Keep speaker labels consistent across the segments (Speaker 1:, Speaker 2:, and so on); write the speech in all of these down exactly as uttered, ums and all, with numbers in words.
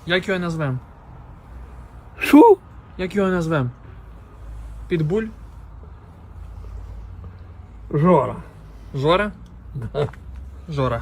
Speaker 1: Як його назвем?
Speaker 2: Що?
Speaker 1: Як його назвем? Підбуль?
Speaker 2: Жора.
Speaker 1: Жора? Жора.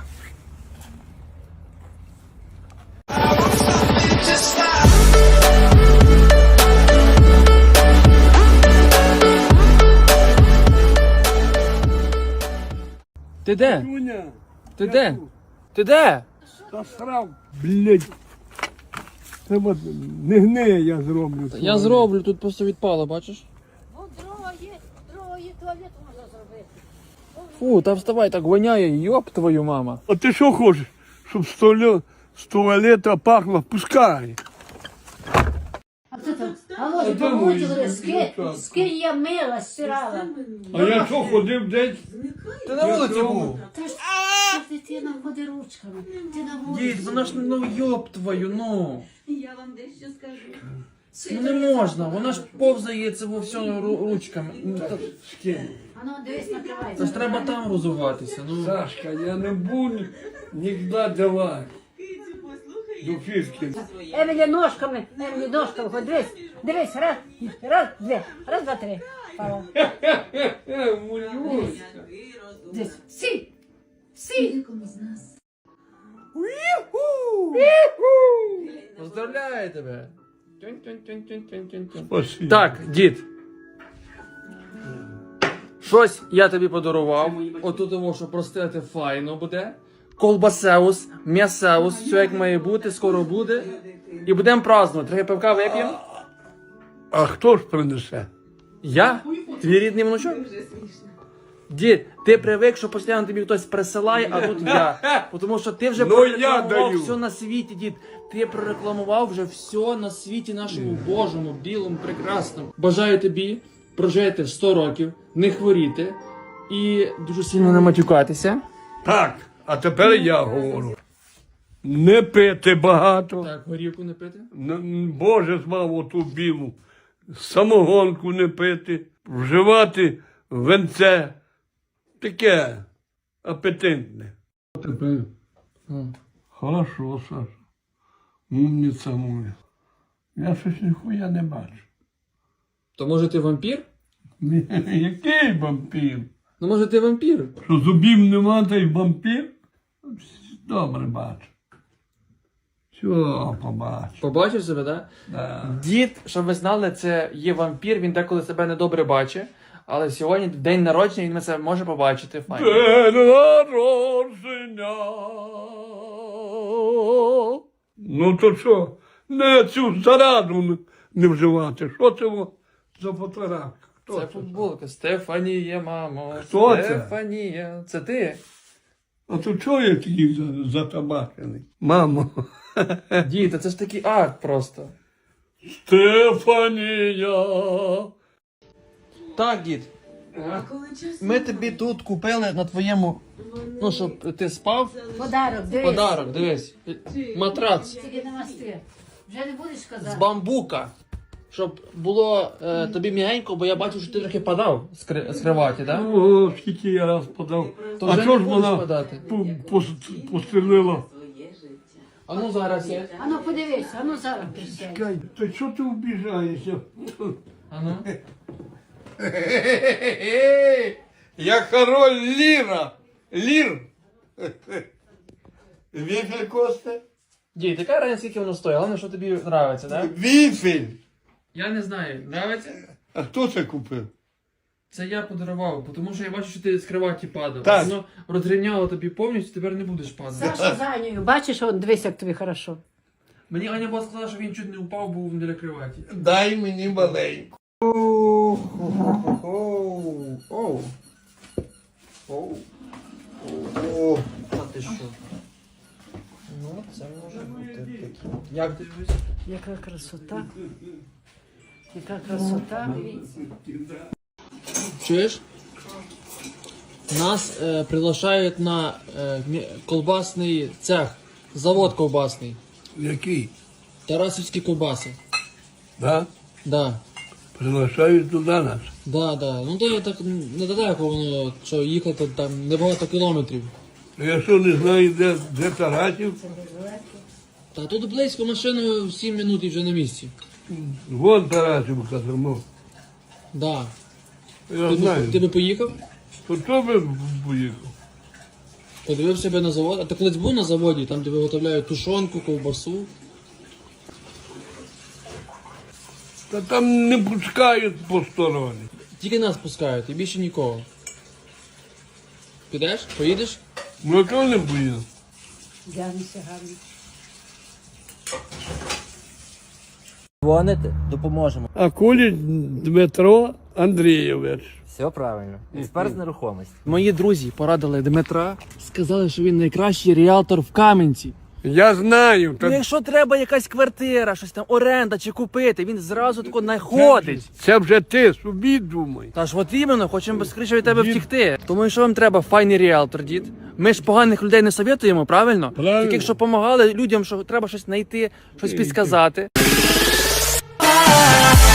Speaker 1: Ти де?
Speaker 2: Юня,
Speaker 1: Ти де? Ти де?
Speaker 2: засрав, блядь. Треба не гниє, я зроблю.
Speaker 1: Я зроблю, тут просто відпало, бачиш?
Speaker 3: Ну, дрова є, дрова є, туалет можна зробити.
Speaker 1: Фу, та вставай, так воняє, йоп твою мама.
Speaker 2: А ти що хочеш? Щоб з туале- з туалета пахло? Пускай.
Speaker 3: А хто там? А може,
Speaker 2: де мої
Speaker 3: помочили, скинь,
Speaker 2: дівчата?
Speaker 3: скинь я мила, стирала.
Speaker 2: А я що ходив десь?
Speaker 1: Ти на вулиці був?
Speaker 3: Та ж та дитина ходить ручками. Ти на вулиці.
Speaker 1: Дід, вона ж, ну йоп твою, ну.
Speaker 4: Я вам дещо скажу.
Speaker 1: Ну не можна, вона ж повзає це во все ру- ручками. Ну, та-
Speaker 3: А ну, дивись, накривай.
Speaker 1: Це ж треба там розуватися, ну.
Speaker 2: Сашка, я не буду ніколи давати. До фішки.
Speaker 3: Емілі ножками, Емілі ножками, ходь, дивись, дивись, раз, раз, дві, раз, два, три. Пала.
Speaker 2: Мулюсь.
Speaker 3: Дивись, сі, сі.
Speaker 4: Кому з нас?
Speaker 1: Поздравляю тебе. Тюнь-тюнь-тюнь-тюнь-тюнь-тюнь.
Speaker 2: Спасибо.
Speaker 1: Так, дід. Щось я тобі подарував. Отут того, що простити файно буде. Колбасеус, м'ясеус, все як має бути, скоро буде. І будемо празднувати. Трохи пивка вип'ємо.
Speaker 2: А хто ж принесе?
Speaker 1: Я? Твій рідний внучок? Дід, ти привик, що постійно тобі хтось присилає, а тут я. Тому що ти вже
Speaker 2: Ну, я
Speaker 1: прорекламував
Speaker 2: даю.
Speaker 1: все на світі, дід. Ти прорекламував вже все на світі нашому Божому, білому, прекрасному. Бажаю тобі прожити сто років, не хворіти і дуже сильно не матюкатися.
Speaker 2: Так, а тепер я говорю. Не пити багато.
Speaker 1: Так, горівку не пити.
Speaker 2: Н- Боже звав оту білу. Самогонку не пити. Вживати венце. Таке апетитне. Тепер.
Speaker 1: М.
Speaker 2: Хорошо, Саша. Умниця моя. Я щось ніхуя не бачу.
Speaker 1: То може ти вампір?
Speaker 2: Ні, який вампір?
Speaker 1: Ну може ти вампір?
Speaker 2: Що зубів нема, та й вампір? Добре бачу. Все, побачу.
Speaker 1: Побачив себе, так?
Speaker 2: Да.
Speaker 1: Дід, щоб ви знали, це є вампір, він деколи себе недобре бачить. Але сьогодні день народження, він це може побачити. Файно.
Speaker 2: День народження. Ну то що? Не цю зараду не- не вживати. Що це во за фотографія? Хто
Speaker 1: Це футболка. Стефанія, мамо.
Speaker 2: Хто це?
Speaker 1: Стефанія. Це ти?
Speaker 2: А то чого я такий за- затабачений? Мамо.
Speaker 1: Дід, це ж такий акт просто.
Speaker 2: Стефанія.
Speaker 1: Так, дід. Ми тобі тут купили на твоєму, ну, щоб ти спав.
Speaker 3: Подарок, дивись.
Speaker 1: Подарок, дивись. Матрац
Speaker 3: Тільки намасти. Вже не будеш
Speaker 1: з
Speaker 3: казати.
Speaker 1: бамбука. Щоб було е, тобі м'ягенько, бо я бачу, що ти трохи падав з, кри- з криваті, так?
Speaker 2: О, скільки я раз подав.
Speaker 1: То
Speaker 2: А
Speaker 1: вже
Speaker 2: чого
Speaker 1: не
Speaker 2: ж
Speaker 1: будеш
Speaker 2: вона
Speaker 1: подати.
Speaker 2: пу- пос- пострілила?
Speaker 1: А ну зараз є.
Speaker 3: А ну подивись, а ну зараз присядь.
Speaker 2: Чекай, то що ти вбіжаєшся?
Speaker 1: А ну.
Speaker 2: Я король Ліра. Лір. Віфель Косте?
Speaker 1: Дід, яка разниця, скільки воно стоїть? Головне, що тобі подобається, так?
Speaker 2: Віфель.
Speaker 1: Я не знаю, подобається?
Speaker 2: А хто це купив?
Speaker 1: Це я подарував, тому що я бачу, що ти з криваті падав.
Speaker 2: Так.
Speaker 1: Воно розрівняло тобі повністю, тепер не будеш падати.
Speaker 3: Саша за Анею, бачиш, он, дивись, як тобі хорошо.
Speaker 1: Мені Аня була сказала, що він чуть не упав, був біля криваті.
Speaker 2: Дай мені маленьку.
Speaker 1: Оу. Оу. Оу.
Speaker 2: О,
Speaker 1: А ти що? Ну, це може бути таке. Як ти дивишся?
Speaker 3: Яка красота. Яка красота.
Speaker 1: Чуєш? Нас е, приглашають на е, мі- колбасний цех, завод колбасний.
Speaker 2: який?
Speaker 1: Тарасівські колбаси.
Speaker 2: Да?
Speaker 1: Да.
Speaker 2: Приглашають туди нас.
Speaker 1: Да, да. Ну то я так недалеко воно, що їхати там небагато кілометрів.
Speaker 2: Я що не знаю, де, де Тарасів?
Speaker 1: Та тут близько машиною сім минут і вже на місці.
Speaker 2: Вон Тарасівка тому.
Speaker 1: Да.
Speaker 2: Я
Speaker 1: Ти,
Speaker 2: знаю.
Speaker 1: би, ти би поїхав?
Speaker 2: То хто би поїхав?
Speaker 1: Подивив себе на завод. А ти колись був на заводі, там де виготовляють тушонку, ковбасу.
Speaker 2: Та там не пускають посторонні.
Speaker 1: Тільки нас пускають, і більше нікого. Підеш? Поїдеш?
Speaker 2: Ну чого не поїду?
Speaker 3: Дянися гарно.
Speaker 5: Дзвоните, допоможемо.
Speaker 2: А Куліч Дмитро Андрійович.
Speaker 5: Все правильно. Експерт з нерухомості.
Speaker 1: Мої друзі порадили Дмитра, сказали, що він найкращий ріалтор в Кам'янці.
Speaker 2: Я знаю.
Speaker 1: Ну,
Speaker 2: Та
Speaker 1: якщо треба якась квартира, щось там оренда чи купити, він зразу тако знаходить.
Speaker 2: це вже ти собі думай.
Speaker 1: Та ж от іменно, хочемо скоріше від тебе
Speaker 2: Дід.
Speaker 1: втікти. Тому якщо вам треба файний ріалтор, дід. Ми ж поганих людей не совєтуємо, правильно?
Speaker 2: Правильно.
Speaker 1: Тільки якщо допомагали людям, що треба щось знайти, щось підсказати.